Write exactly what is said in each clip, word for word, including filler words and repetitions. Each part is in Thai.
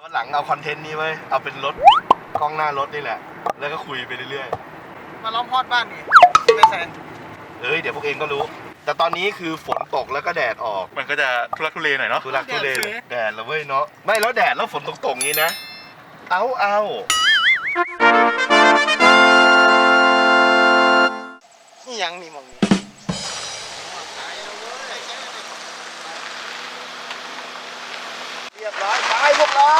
วันหลังเอาคอนเทนต์นี้ไว้เอาเป็นรถกล้องหน้ารถนี่แหละแล้วก็คุยไปเรื่อยๆมาล้อมพอดบ้านนี่ไม่แซนเอ้ยเดี๋ยวพวกเองก็รู้แต่ตอนนี้คือฝนตกแล้วก็แดดออกมันก็จะทุรักทุเลหน่อยเนาะทุรักทุเลแดดแล้วเว้ยเนาะไม่แล้วแดดแล้วฝนตกๆงี้นะเอาเอานี่ยังนี่มองนี่เรียบร้อยไปพวกเรา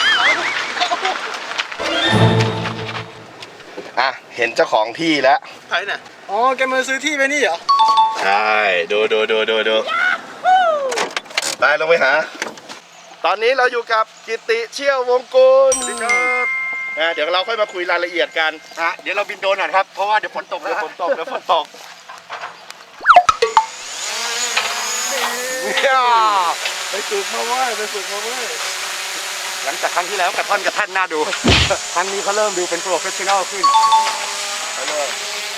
อ่ะเห็นเจ้าของที่แล้วใครเนี่ยอ๋อแกมาซื้อที่ไปนี่เหรอใช่ดูดูดูดูดูไปลงไปหาตอนนี้เราอยู่กับกิติเชี่ยววงกุลนะเดี๋ยวเราค่อยมาคุยรายละเอียดกันฮะเดี๋ยวเราบินโดรนหน่อยครับเพราะว่าเดี๋ยวฝนตกแล้วเดี๋ยวฝนตกเดี๋ยวฝนตกไปฝึกมาเว้ยไปฝึกมาเว้ยหลังจากครั้งที่แล้วกระท่อนกระท่านน่าดูครั้งนี้เขาเริ่มดูเป็นโปรเฟชชั่นอลขึ้นไปเลย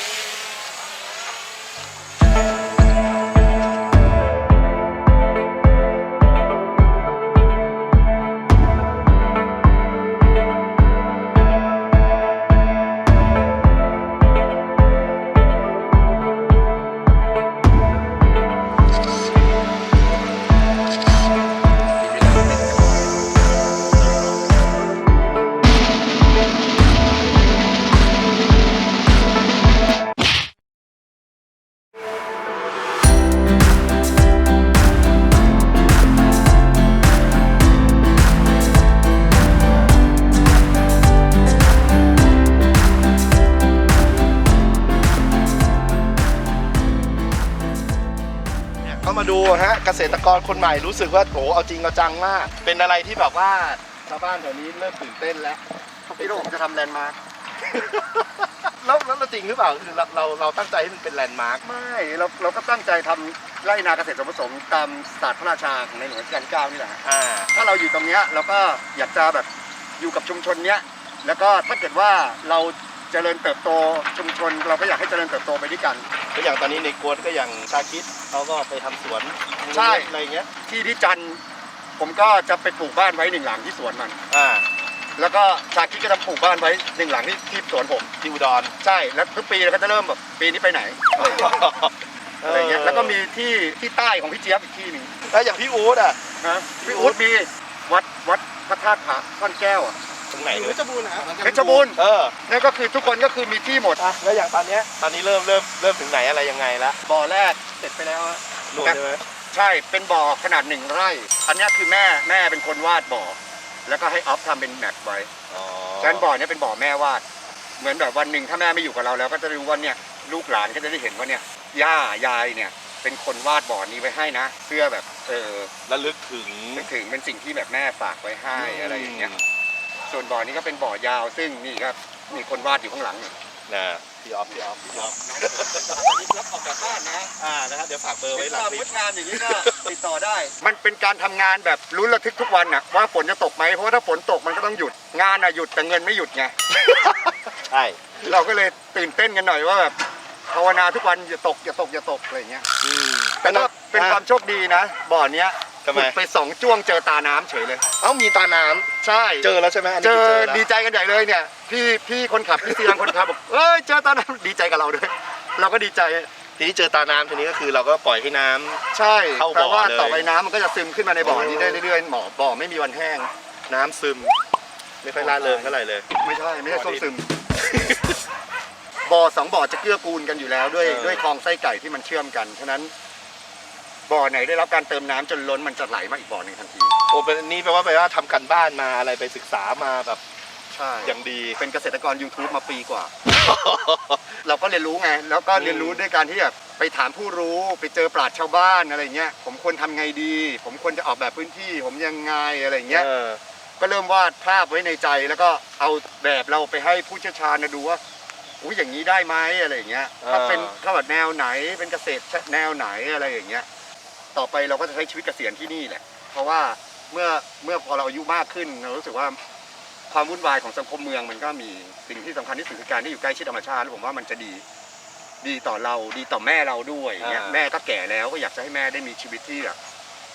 มาดูฮะเกษตรกรคนใหม่รู้สึกว่าโอ้เอาจริงเอาจังมากเป็นอะไรที่แบบว่าชาวบ้านแถวนี้เริ่มตื่นเต้นแล้วพี่โรจะทำแลนด์มาร์คแล้วแล้วจริงหรือเปล่าคือเราเราเราตั้งใจให้มันเป็นแลนด์มาร์คไม่เราเราก็ตั้งใจทำไร่นาเกษตรผสมตามศาสตร์พระราชาของในหลวงรัชกาลที่เก้านี่แหละอ่าถ้าเราอยู่ตรงเนี้ยเราก็อยากจะแบบอยู่กับชุมชนเนี้ยแล้วก็ถ้าเกิดว่าเราเจริญเติบโตชุมชนเราก็อยากให้เจริญเติบโตไปด้วยกันก็อย่างตอนนี้ในกวนก็อย่างชาคิดเขาก็ไปทำสวนใช่อะไรเงี้ยที่ที่จันผมก็จะไปปลูกบ้านไว้หนึ่งหลังที่สวนมันอ่าแล้วก็ชาคิดก็จะปลูกบ้านไว้หนึ่งหลังที่ที่สวนผมที่อุดรใช่แล้วทุกปีเราก็จะเริ่มแบบปีนี้ไปไหนอะไรเงี้ยแล้วก็มีที่ที่ใต้ของพี่เจี๊ยบอีกที่หนึ่งแล้วอย่างพี่อู๊ดอ่ะนะพี่อู๊ดมีวัดวัดพระธาตุผาท่อนแก้วอ่ะตรงไหนเพชรบูรณ์นะเพชรบูรณ์เออนั่นก็คือทุกคนก็คือมีที่หมดอ่ะแล้วอย่างตอนนี้ตอนนี้เริ่มเริ่มเริ่มถึงไหนอะไรยังไงแล้วบ่อแรกเสร็จไปแล้วหลุดใช่ไหมใช่เป็นบ่อขนาดหนึ่งไร่อันนี้คือแม่แม่เป็นคนวาดบ่อแล้วก็ให้ออฟทำเป็นแมปไว้ฉะนั้นบ่อนี้เป็นบ่อแม่วาดเหมือนแบบวันหนึ่งถ้าแม่ไม่อยู่กับเราแล้วก็จะรู้ว่าเนี่ยลูกหลานก็จะได้เห็นว่าเนี่ยย่ายายเนี่ยเป็นคนวาดบ่อนี้ไว้ให้นะเพื่อแบบเออระลึกถึงถึงเป็นสิ่งที่แบบแม่ฝากไว้ให้อะไรอย่างเงี้ยส่วนบ่อนี้ก็เป็นบ่อยาวซึ่งนี่ครับมีคนวาดอยู่ข้างหลังนะพี่ออฟพี่ออฟพี่ออฟตอนนี้รับออกจากบ้านนะอ่านะครับเดี๋ยวฝากเบอร์ไว้หลังคลิปงานอย่างนี้ก็ติดต่อได้มันเป็นการทำงานแบบลุ้นระทึกทุกวันน่ะว่าฝนจะตกไหมเพราะว่าถ้าฝนตกมันก็ต้องหยุดงานน่ะหยุดแต่เงินไม่หยุดไงใช่เราก็เลยตื่นเต้นกันหน่อยว่าแบบภาวนาทุกวันอย่าตกอย่าตกอย่าตกอะไรเงี้ยแต่ก็เป็นความโชคดีนะบ่อเนี้ยขุดไปสองจ้วงเจอตาน้ำเฉยเลยเอ้ามีตาน้ำใช่เจอแล้วใช่ไหมเจอดีใจกันใหญ่เลยเนี่ยพี่พี่คนขับพี่ซีรังคนขับบอกเอ้ยเจอตาน้ำดีใจกับเราด้วยเราก็ดีใจทีนี้เจอตาน้ำทีนี้ก็คือเราก็ปล่อยให้น้ำใช่เพราะว่าต่อไปน้ำมันก็จะซึมขึ้นมาในบ่อนี้ได้เรื่อยๆหมอบ่อไม่มีวันแห้งน้ำซึมไม่ค่อยล่าเริงเท่าไหร่เลยไม่ใช่ไม่ใช่ส้มซึมบ่อสองบ่อจะเกื้อกูลกันอยู่แล้วด้วยด้วยคลองไส้ไก่ที่มันเชื่อมกันฉะนั้นบ่อไหนได้รับการเติมน้ำจนล้นมันจะไหลมาอีกบ่อหนึ่งทันทีโอ้เป็นนี่แปลว่าแปลว่าทำกันบ้านมาอะไรไปศึกษามาแบบใช่อย่างดีเป็นเกษตรกร YouTube มาปีกว่า เราก็เรียนรู้ไงแล้วก็เรียนรู้ด้วยการที่แบบไปถามผู้รู้ไปเจอปราชญ์ชาวบ้านอะไรเงี้ยผมควรทำไงดีผมควรจะออกแบบพื้นที่ผมยังไงอะไรเงี้ยก็เริ่มวาดภาพไว้ในใจแล้วก็เอาแบบเราไปให้ผู้เชี่ยวชาญดูว่าอุ้ยอย่างนี้ได้ไหมอะไรเงี้ยถ้าเป็นถ้าแบบแนวไหนเป็นเกษตรแนวไหนอะไรอย่างเงี้ยต่อไปเราก็จะใช้ชีวิตเกษียณที่นี่แหละเพราะว่าเมื่อเมื่อพอเราอายุมากขึ้นเรารู้สึกว่าความวุ่นวายของสังคมเมืองมันก็มีสิ่งที่สำคัญที่สุดคือการที่อยู่ใกล้ชิดธรรมชาติแล้วผมว่ามันจะดีดีต่อเราดีต่อแม่เราด้วยเงี้ยแม่ก็แก่แล้วก็อยากจะให้แม่ได้มีชีวิตที่แบบ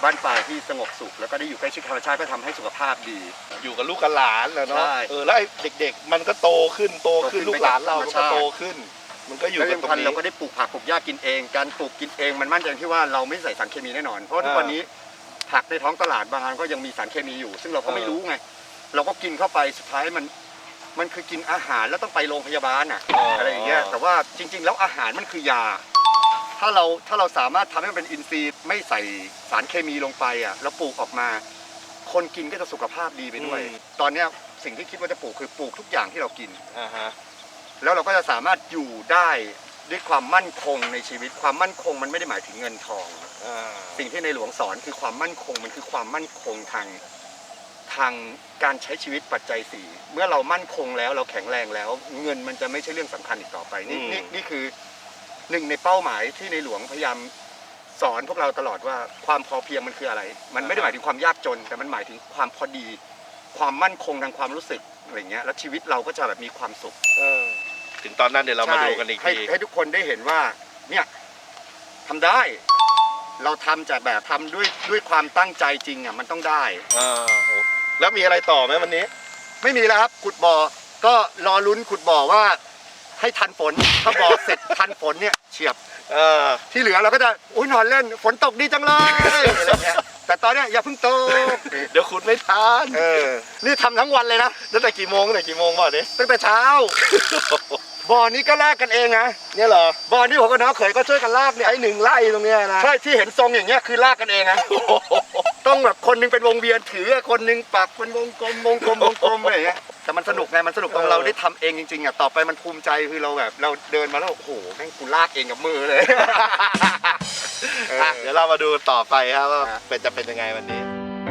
บ้านปลายที่สงบสุขแล้วก็ได้อยู่ใกล้ชิดธรรมชาติก็ทำให้สุขภาพดีอยู่กับลูกกับหลานแหละเนาะใช่เออแล้วไอ้เด็กๆ มันก็โตขึ้นโตขึ้นโตขึ้นลูกหลานเราไปกับก็ธรรมชาติโตขึ้น มันก็อยู่แล้วกันที่ตรงสำคัญนี้เราก็ได้ปลูกผักปลูกหญ้ากินเองการปลูกกินเองมันมั่นใจที่ว่าเราไม่ใส่สารเคมีแน่นอนเพราะว่าทุกวันนี้ผักในท้องตลาดบางอันก็ยังมีสารเคมีอยู่ ซึ่งเราก็ไม่รู้ไงเราก็กินเข้าไปสุดท้ายมันมันคือกินอาหารแล้วต้องไปโรงพยาบาลอ่ะอะไรอย่างเงี้ยแต่ว่าจริง ๆ แล้วอาหารมันคือยา ถ้าเราถ้าเราสามารถทำให้มันเป็นอินทรีย์ไม่ใส่สารเคมีลงไปอ่ะแล้วปลูกออกมา คนกินก็จะสุขภาพดีไปด้วย ตอนเนี้ยสิ่งที่คิดว่าจะปลูกคือปลูกทุกอย่างที่เรากินอ่าฮะแล้วเราก็จะสามารถอยู่ได้ด้วยความมั่นคงในชีวิตความมั่นคงมันไม่ได้หมายถึงเงินทองอ่าสิ่งที่ในหลวงสอนคือความมั่นคงมันคือความมั่นคงทางทางการใช้ชีวิตปัจจัยสี่เมื่อเรามั่นคงแล้วเราแข็งแรงแล้ว เงินมันจะไม่ใช่เรื่องสำคัญอีกต่อไปนี่นี่นี่คือหนึ่งในเป้าหมายที่ในหลวงพยายามสอนพวกเราตลอดว่าความพอเพียงมันคืออะไร มันไม่ได้หมายถึงความยากจน แต่มันหมายถึงความพอดี ความมั่นคงทางความรู้สึกอะไรเงี้ยแล้วชีวิตเราก็จะแบบมีความสุขเออถึงตอนนั้นเดี๋ยวเรามาดูกันอีกให้ทีให้ทุกคนได้เห็นว่าเนี่ยทำได้ เราทำจากแบบทำด้วยด้วยความตั้งใจจริงอ่ะมันต้องได้อ่าโอ้แล้วมีอะไรต่อไหมวันนี้ไม่มีแล้วครับขุดบ่อก็รอลุ้นขุดบ่อว่าให้ทันฝนถ้าบ่อเสร็จทันฝนเนี่ยเฉียบเออที่เหลือเราก็จะอุ้ยนอนเล่นฝนตกดีจังเลยอะไรเงี้ยแต่ตอนเนี้ยอย่าเพิ่งตกเดี๋ยวขุดไม่ทันเออนี่ทำทั้งวันเลยนะตั้งแต่กี่โมงตั้งแต่กี่โมงบ่อนี้ตั้งแต่เช้าบ่อนี้ก็ลากกันเองนะเนี่ยเหรอบ่อนี้ผมกับน้องเขยก็ช่วยกันลากเนี่ยไอ้หนึ่งไร่ตรงเนี้ยนะใช่ที่เห็นทรงอย่างเงี้ยคือลากกันเองนะโอ้โหต้องแบบคนหนึงเป็นวงเวียนถือคนหนึงปักเป็นวงกลมวงกลมวงกลมอะไรอย่างเงี้ยแต่มันสนุกไงมันสนุกตรงเราได้ทำเองจริงๆอ่ะต่อไปมันภูมิใจคือเราแบบเราเดินมาแล้วโอ้โหแม่งกูลากเองกับมือเลย เอออ่ะเดี๋ยวเรามาดูต่อไปครับว่าอ่ะเป็นจะเป็นยังไงวันนี้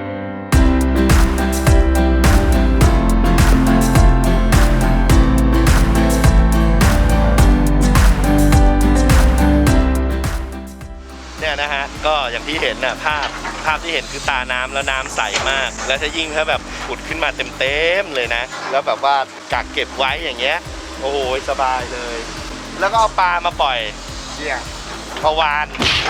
เนี่ยนะฮะก็อย่างที่เห็นน่ะภาพภาพที่เห็นคือตาน้ำแล้วน้ำใสมาก แล้วถ้ายิ่งถ้าแบบขุดขึ้นมาเต็มๆเลยนะ แล้วแบบว่ากักเก็บไว้อย่างเงี้ยโอ้โหสบายเลย แล้วก็เอาปลามาปล่อยเนี่ยปลาวาน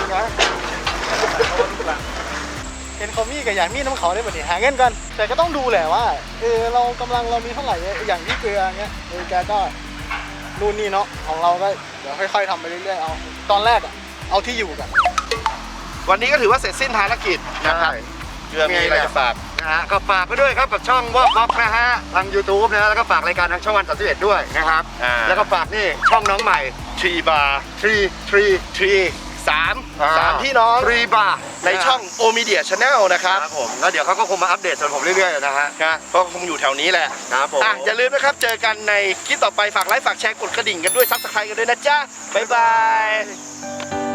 เห็นเขามีกับอย่างมีน้ำเขาได้แบบนี้หาเงินกัน แต่ก็ต้องดูแหละว่าเออเรากำลังเรามีเท่าไหร่อย่างที่เกลือเงี้ยเออแกก็นู่นนี่เนาะของเราก็เดี๋ยวค่อยๆทำไปเรื่อยๆเอาตอนแรกอะเอาที่อยู่กันวันนี้ก็ถือว่าเสร็จสิ้นภารกิจนะครับเพื่อมีอะไรจะฝากนะฮะก็ฝากไปด้วยครับกับช่องวอล์กบ็อกนะฮะทาง YouTube นะฮะแล้วก็ฝากรายการทางช่องวันสามสิบเอ็ดด้วยนะครับอ่าแล้วก็ฝากนี่ช่องน้องใหม่ทรีบาร์ทรีทรีทรีสามสามพี่น้องทรีบาร์ในช่องโอมีเดียชาแนลนะครับครับผมแล้วเดี๋ยวเขาก็คงมาอัปเดตส่วนผมเรื่อยๆนะฮะนะก็คงอยู่แถวนี้แหละครับผมอ่ะอย่าลืมนะครับ เจอกันในคลิปต่อไปฝากไลค์ฝากแชร์กดกระดิ่งกันด้วยซับสไครต์กันด้วยนะจ๊ะ บ๊ายบาย